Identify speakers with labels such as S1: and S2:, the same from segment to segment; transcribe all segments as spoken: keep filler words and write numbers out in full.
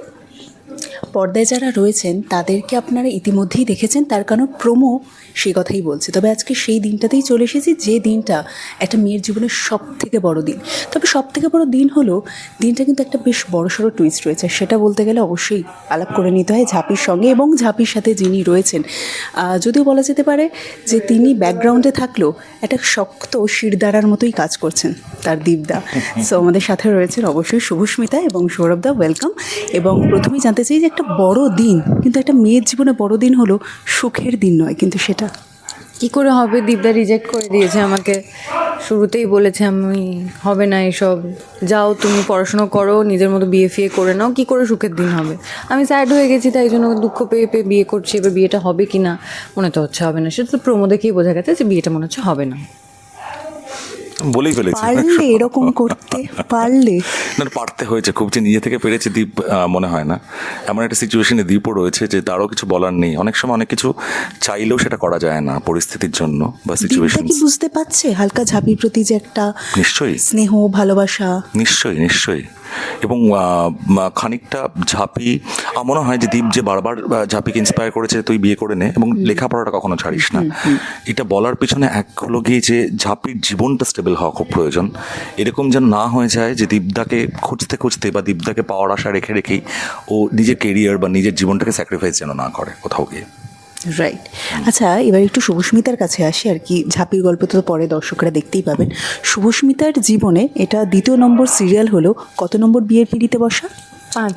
S1: পর্দায় যারা রয়েছেন তাদেরকে আপনারা ইতিমধ্যেই দেখেছেন, তার কারণ প্রোমো সেই কথাই বলছে। তবে আজকে সেই দিনটাতেই চলে এসেছি, যে দিনটা একটা মেয়ের জীবনের সব থেকে বড় দিন। তবে সব থেকে বড় দিন হলো, দিনটা কিন্তু একটা বেশ বড়সড় টুইস্ট রয়েছে। সেটা বলতে গেলে অবশ্যই আলাপ করে নিতে হয় ঝাঁপির সঙ্গে, এবং ঝাঁপির সাথে যিনি রয়েছেন, যদিও বলা যেতে পারে যে তিনি ব্যাকগ্রাউন্ডে থাকলেও একটা শক্ত শিরদাঁড়ার মতোই কাজ করছেন, তার দীপদা। সো আমাদের সাথে রয়েছেন অবশ্যই শুভস্মিতা এবং সৌরভদা, ওয়েলকাম। এবং প্রথমেই জানতে চাই যে একটা বড় দিন, কিন্তু একটা মেয়ের জীবনে বড় দিন হলো সুখের দিন নয়, কিন্তু সেটা
S2: কি করে হবে? দীপদা রিজেক্ট করে দিয়েছে আমাকে, শুরুতেই বলেছে আমি হবে না এসব, যাও তুমি পড়াশোনা করো, নিজের মতো বিয়ে ফিয়ে করে নাও, কি করে সুখের দিন হবে? আমি স্যাড হয়ে গেছি, তাই জন্য দুঃখ পেয়ে পেয়ে বিয়ে করছি। এবার বিয়েটা হবে কি না মনে তো হচ্ছে হবে না, সেটা তো প্রোমো দেখেই বোঝা গেছে যে বিয়েটা মনে হচ্ছে হবে না।
S3: বলেই ফেলেছি,
S1: পারলে এরকম করতে পারলে
S3: না পারতে হয়েছে খুব, যে নিজে থেকে পেরেছে দীপ মনে হয় না। এমন একটা সিচুয়েশনে দীপও রয়েছে যে তারও কিছু বলার নেই। অনেক সময় অনেক কিছু চাইলেও সেটা করা যায় না পরিস্থিতির জন্য বা সিচুয়েশন।
S1: কি বুঝতে পারছে হালকা ঝাঁপির প্রতি যে একটা
S3: নিশ্চয়ই
S1: স্নেহ ভালোবাসা?
S3: নিশ্চয়ই নিশ্চয়ই এবং খানিকটা ঝাঁপি মনে হয় যে দীপ যে বারবার ঝাঁপিকে ইন্সপায়ার করেছে তুই বিয়ে করে নে এবং লেখাপড়াটা কখনো ছাড়িস না। এটা বলার পিছনে এক হলো গিয়ে যে ঝাঁপির জীবনটা স্টেবল হওয়া খুব প্রয়োজন। এরকম যেন না হয়ে যায় যে দীপদাকে খুঁজতে খুঁজতে বা দীপদাকে পাওয়ার আশা রেখে রেখেই ও নিজের কেরিয়ার বা নিজের জীবনটাকে স্যাক্রিফাইস যেন না করে কোথাও গিয়ে।
S1: রাইট। আচ্ছা, এবার একটু শুভস্মিতার কাছে আসি আর কি। ঝাঁপির গল্প তো পরে দর্শকরা দেখতেই পাবেন। শুভস্মিতার জীবনে এটা দ্বিতীয় নম্বর সিরিয়াল হলো, কত নম্বর বিয়ের পিঁড়িতে বসা?
S2: পাঁচ,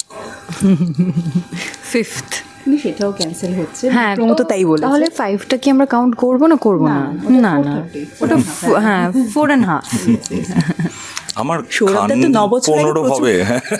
S2: ফিফথ।
S1: সেটাও ক্যান্সেল হচ্ছে,
S2: হ্যাঁ
S1: প্রোমো তো তাই বলে।
S2: তাহলে ফাইভটা কি আমরা কাউন্ট করবো না করবো না? না না, ওটা হ্যাঁ ফোর অ্যান্ড হাফ।
S3: আমার
S1: সৌরভদা তো নবছর
S3: পনেরো হবে।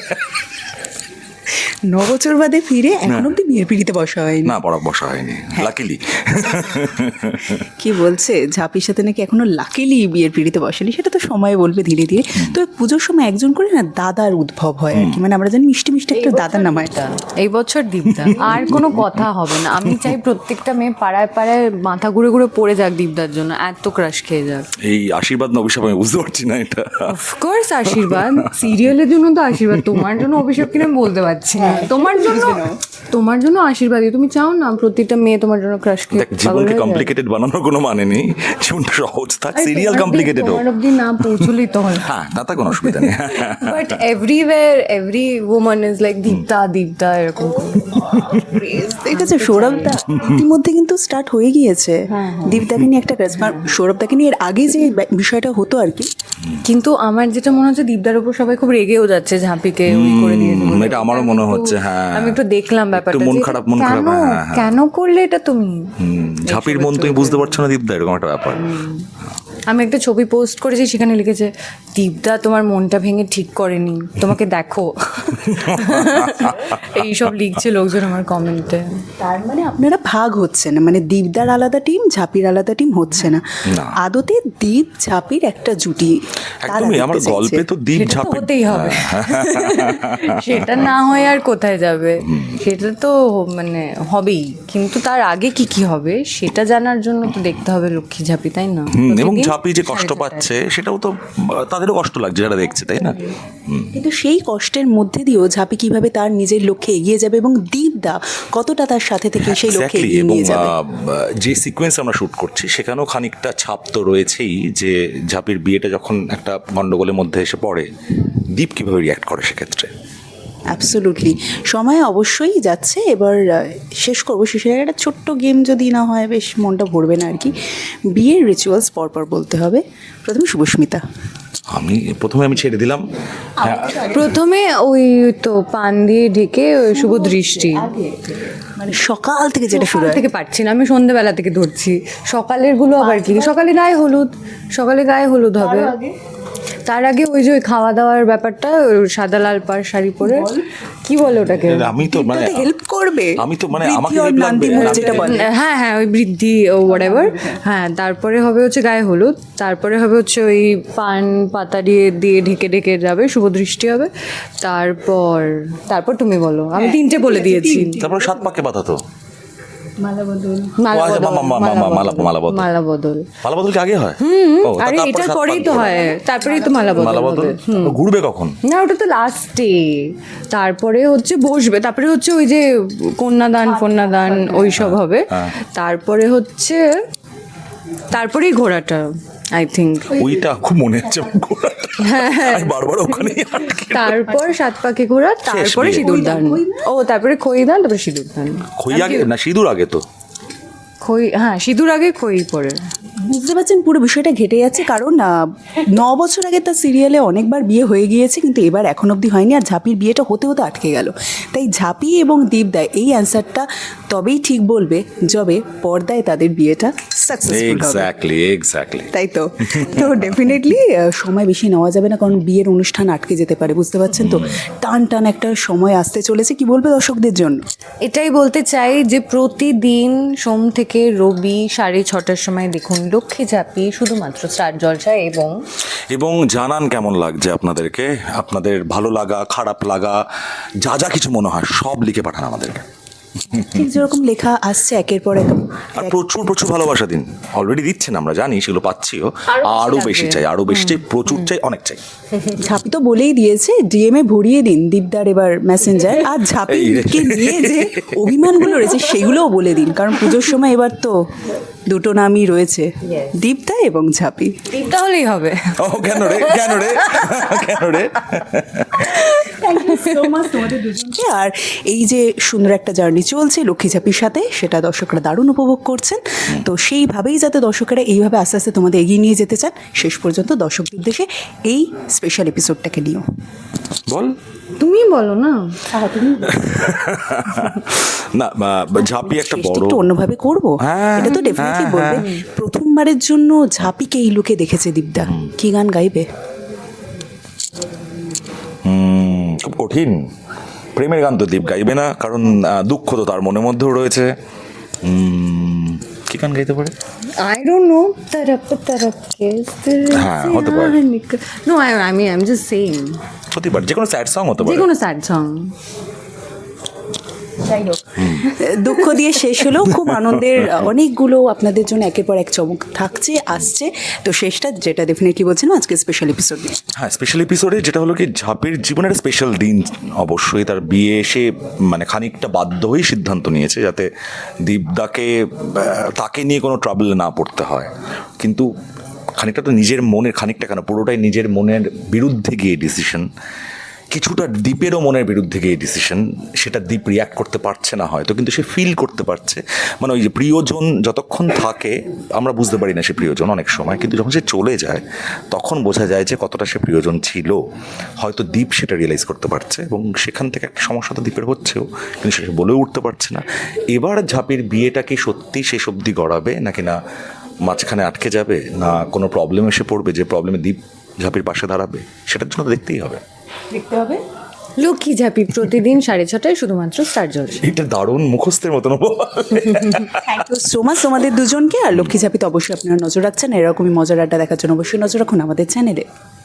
S1: ন বছর বাদে ফিরে এখন অব্দি বিয়ের পিঁড়িতে বসা হয়নি।
S3: না, পড়া বসা হয়নি লাকিলি।
S1: কি বলছে ঝাঁপির সাথে নাকি এখনো লাকিলি বিয়ের পিঁড়িতে বসেনি, সেটা তো সময় বলবে ধীরে ধীরে। তো পুজোর সময় একজন করে না দাদার উদ্ভব হয় আর কি, মানে আমরা জানি মিষ্টি মিষ্টি একটা দাদার নাম হয়।
S2: এই বছর দীপদা, আর কোনো কথা হবে না। আমি চাই প্রত্যেকটা মেয়ে পাড়ায় পাড়ায় মাথা ঘুরে ঘুরে পড়ে যাক দীপদার জন্য, এত ক্রাশ খেয়ে যাক।
S3: এই আশীর্বাদ না অভিশাপ আমি বুঝতে পারছি না এটা।
S2: অফকোর্স আশীর্বাদ, সিরিয়ালের জন্য তো আশীর্বাদ, তোমার জন্য অভিশাপ কিনা আমি বলতে পারছি না। তোমার জন্য তোমার জন্য আশীর্বাদই, তুমি চাও না প্রত্যেকটা মেয়ে তোমার জন্য ক্রাশ খেয়ে?
S3: জীবনকে কমপ্লিকেটেড বানানোর কোনো মানে নেই, জীবনটা সহজ থাক, সিরিয়াল কমপ্লিকেটেড হোক।
S2: তোমার অবধি না পৌঁছলেই তো হলো।
S3: হ্যাঁ, তাতে কোনো অসুবিধা নেই।
S2: But everywhere every woman is like Dipta Dipta এরকম।
S1: ঠিক আছে, সৌরভদা ইতিমধ্যে কিন্তু স্টার্ট হয়ে গিয়েছে দীপদাকে নিয়ে একটা ক্রাশ। সৌরভদাকে নিয়ে এর আগে যে বিষয়টা হতো আর কি,
S2: কিন্তু আমার যেটা মনে হচ্ছে দীপদার উপর সবাই খুব রেগেও যাচ্ছে, ঝাঁপিকে ওই করে দিয়ে দেবো।
S3: এটা আমারও মনে হচ্ছে। হ্যাঁ,
S2: আমি একটু দেখলাম ব্যাপারটা,
S3: মন খারাপ মন খারাপ।
S2: কেন করলে এটা তুমি?
S3: ঝাঁপির মন তুমি বুঝতে পারছো না দীপদা, এরকম একটা ব্যাপার।
S2: আমি একটা ছবি পোস্ট করেছি, সেখানে লিখেছে দীপদা তোমার মনটা ভেঙে ঠিক করেনি, তোমাকে দেখো। এইসব লিখছে লোকজন আমার কমেন্টে।
S1: তার মানে আপনারা ভাগ হচ্ছে না, মানে দীপদার আলাদা টিম, ঝাঁপির আলাদা টিম হচ্ছে না। আদতে দীপ ঝাঁপির একটা জুটি।
S3: একদমই, আমার গল্পে তো দীপ ঝাঁপি
S2: হতেই হবে, সেটা না হয়ে আর কোথায় যাবে? সেটা তো মানে হবেই, কিন্তু তার আগে কি কি হবে সেটা জানার জন্য তো দেখতে হবে লক্ষ্মী ঝাঁপি, তাই না?
S3: এবং ঝাঁপি যে কষ্ট পাচ্ছে সেটাও তো তাদেরও কষ্ট লাগছে যারা দেখছে, তাই না?
S1: কিন্তু সেই কষ্টের মধ্যে দিয়েও ঝাঁপি কিভাবে তার নিজের লক্ষ্যে এগিয়ে যাবে, এবং দীপদা কতটা তার সাথে থেকে সেই লক্ষ্যে এগিয়ে নিয়ে যাবে।
S3: যে সিকোয়েন্স আমরা শুট করছি সেখানেও খানিকটা ছাপ তো রয়েছেই, যে ঝাঁপির বিয়েটা যখন একটা গন্ডগোলের মধ্যে এসে পড়ে দীপ কীভাবে রিয়াক্ট করে সেক্ষেত্রে।
S1: অ্যাবসোলুটলি। সময় অবশ্যই যাচ্ছে, এবার শেষ করবো। শেষের আগে একটা ছোট্ট গেম যদি না হয় বেশ মনটা ভরবে না আর কি। বিয়ের রিচুয়ালস পরপর বলতে হবে। প্রথমে শুভস্মিতা।
S3: আমি প্রথমে আমি ছেড়ে দিলাম।
S2: প্রথমে ওই তো পান দিয়ে ঢেকে ওই শুভ দৃষ্টি,
S1: মানে সকাল থেকে যেটা শুরু হয়
S2: থেকে পারছি না, আমি সন্ধ্যেবেলা থেকে ধরছি। সকালের গুলো আবার কি, সকালে গায়ে হলুদ, সকালে গায়ে হলুদ হবে। তার আগে ওই যে ওই খাওয়া দাওয়ার ব্যাপারটা, সাদা লাল পাড় শাড়ি পরে, কি বলে ওটাকে?
S3: আমি তো মানে
S1: হেল্প করবে,
S3: আমি তো মানে আমাকে
S1: যেটা বলে,
S2: হ্যাঁ হ্যাঁ ওই বৃদ্ধি ও হোয়াটএভার। হ্যাঁ, তারপরে হবে হচ্ছে গায়ে হলুদ, তারপরে হবে হচ্ছে ওই পান পাতা দিয়ে দিয়ে ঢেকে ঢেকে যাবে, শুভ দৃষ্টি হবে। তারপর তারপর তুমি বলো, আমি তিনটে বলে দিয়েছি।
S3: তারপর সাত পাকে বাঁধা তো
S1: মালা বদল
S2: মালা
S3: ও আচ্ছা,
S2: বদল,
S3: মা- মা- মা- মা- মালা- মালা বদল।
S2: মালা বদল।
S3: মালা বদল কি আগে হয়? ও, তা
S2: আরে
S3: তারপরে
S2: এটার
S3: সাত
S2: পরেই
S3: পাক
S2: তো
S3: ঘোরা।
S2: হয়, তারপরেই তো মালা বদল
S3: মালা বদল
S2: হবে।
S3: ও, ঘুরবে কখন?
S2: না ওটা তো লাস্টে, তারপরে হচ্ছে বসবে, তারপরে হচ্ছে ওই যে কন্যাদান ফন্যাদান ওই সব হবে, তারপরে হচ্ছে তারপরেই ঘোড়াটা আই থিঙ্ক।
S3: ওইটা খুব মনে হচ্ছে আমার ঘোড়াটা। আমি বারবার ওখানেই আটকে।
S2: তারপর সাত পাকে ঘোরা, তারপরে
S3: বিয়ে।
S2: সিঁদুর দান। ও তারপরে খই দান, তারপরে সিঁদুর দান।
S3: খই আগে না সিঁদুর আগে তো?
S2: খই, হ্যাঁ সিঁদুর আগে খই পরে।
S1: বুঝতে পারছেন পুরো বিষয়টা ঘেটে যাচ্ছে, কারণ আহ, ন বছর আগে তার সিরিয়ালে অনেকবার বিয়ে হয়ে গিয়েছে, কিন্তু এবার এখন অবধি হয়নি, আর ঝাঁপির বিয়েটা হতে হতে আটকে গেল। তাই ঝাঁপি এবং দীপদা এই অ্যান্সারটা তবেই ঠিক বলবে যবে পর্দায় তাদের বিয়েটা সাকসেসফুল হবে।
S3: এক্স্যাক্টলি এক্স্যাক্টলি
S1: তাই তো তো ডেফিনেটলি সময় বেশি নেওয়া যাবে না, কারণ বিয়ের অনুষ্ঠান আটকে যেতে পারে, বুঝতে পারছেন তো। টান টান একটা সময় আসতে চলেছে, কি বলবে দর্শকদের জন্য?
S2: এটাই বলতে চাই যে প্রতিদিন সোম থেকে রবি সাড়ে ছটার সময় দেখুন লক্ষ্মী ঝাঁপি, শুধুমাত্র স্টার জলসায়। এবং
S3: এবং জানান কেমন লাগছে আপনাদেরকে, আপনাদের ভালো লাগা খারাপ লাগা যা যা কিছু মনে হয় সব লিখে পাঠান আমাদেরকে।
S1: ঠিক যেরকম লেখা আসছে একের পর এক।
S3: আর প্রচুর প্রচুর ভালোবাসা দিন, অলরেডি দিচ্ছেন, আমরা জানি সেগুলো পাচ্ছিও,
S2: আরো বেশি
S3: আরও
S2: লাগবে।
S3: বেশি চাই, আরও বেশি চাই, প্রচুর চাই, অনেক চাই।
S1: ঝাঁপি তো বলেই দিয়েছে ডিএমএ ভরিয়ে দিন দীপদার এবার মেসেঞ্জার, আর ঝাঁপিকে নিয়ে যে অভিমানগুলো রয়েছে সেগুলোও বলে দিন, কারণ পুজোর সময় এবার তো দুটো নামই রয়েছে, দীপদা এবং ঝাঁপি।
S2: টিপটা হলেই হবে।
S3: ও কেন রে কেন রে কেন রে
S1: আর এই যে সুন্দর একটা জার্নি চলছে লক্ষ্মী ঝাঁপির সাথে, সেটা দর্শকরা দারুণ উপভোগ করছেন। তো সেইভাবেই যাতে দর্শকেরা এইভাবে আস্তে আস্তে তোমাদের এগিয়ে নিয়ে যেতে চান, শেষ পর্যন্ত দর্শকদের উদ্দেশ্যে এই স্পেশাল এপিসোডটাকে নিও।
S3: বল
S2: তুমি বলো না।
S3: না বা- ঝাঁপি একটা
S1: শেষটা
S3: বড়
S1: একটু অন্যভাবে করবো,
S3: হ্যাঁ,
S1: এটা তো ডেফিনেটলি
S3: হ্যাঁ,
S1: বলবে। প্রথমবারের জন্য ঝাঁপিকে এই লুকে দেখেছে দীপদা, কি গান গাইবে?
S3: হুম, খুব কঠিন। প্রেমের গান তো দীপ গাইবে না, কারণ আহ, দুঃখ তো তার মনের মধ্যেও রয়েছে। উম, কি গান গাইতে পারে?
S2: I don't know. तरफ तरफ के
S3: হ্যাঁ, হতে পারে।
S2: No, I, I mean, I'm just saying.
S3: হতে পারে, যে কোনো স্যাড সং হতে
S2: যে
S3: পারে।
S2: কোনো স্যাড সং।
S1: দুঃখ দিয়ে শেষ হলো, খুব আনন্দের অনেকগুলো আপনাদের জন্য একের পর এক চমক থাকছে আসছে। তো শেষটা যেটা ডেফিনেটলি বলছিলাম আজকে স্পেশাল এপিসোড নিয়ে।
S3: হ্যাঁ, স্পেশাল এপিসোডে যেটা হলো কি ঝাঁপির জীবনের স্পেশাল দিন, অবশ্যই তার বিয়ে, সে মানে খানিকটা বাধ্য হয়েই সিদ্ধান্ত নিয়েছে যাতে দীপদাকে আহ, তাকে নিয়ে কোনো ট্রাবল না পড়তে হয়। কিন্তু খানিকটা তো নিজের মনের, খানিকটা কেন পুরোটাই নিজের মনের বিরুদ্ধে গিয়ে ডিসিশন, কিছুটা দ্বীপেরও মনের বিরুদ্ধে গিয়ে ডিসিশন, সেটা দ্বীপ রিয়াক্ট করতে পারছে না হয়তো, কিন্তু সে ফিল করতে পারছে। মানে ওই যে প্রিয়জন যতক্ষণ থাকে আমরা বুঝতে পারি না সে প্রিয়জন অনেক সময়, কিন্তু যখন সে চলে যায় তখন বোঝা যায় যে কতটা সে প্রিয়জন ছিল। হয়তো দ্বীপ সেটা রিয়েলাইজ করতে পারছে, এবং সেখান থেকে একটা সমস্যা তো দ্বীপের হচ্ছেও, কিন্তু সে বলেও উঠতে পারছে না। এবার ঝাঁপির বিয়েটা কি সত্যি শেষ অবধি গড়াবে, নাকি না মাঝখানে আটকে যাবে, না কোনো প্রবলেম এসে পড়বে যে প্রবলেমে দ্বীপ ঝাঁপির পাশে দাঁড়াবে, সেটার জন্য তো দেখতেই হবে।
S1: দেখতে হবে।
S2: লক্ষ্মী ঝাঁপি প্রতিদিন সাড়ে ছটায় শুধুমাত্র স্টার জলসা।
S3: এটা দারুণ মুখস্থের মতন।
S1: থ্যাংক ইউ সো মাচ তোমাদের দুজনকে। আর লক্ষ্মী ঝাঁপিতে অবশ্যই আপনারা নজর রাখছেন, এরকমই মজার আড্ডা দেখার জন্য অবশ্যই নজর রাখুন আমাদের চ্যানেলে।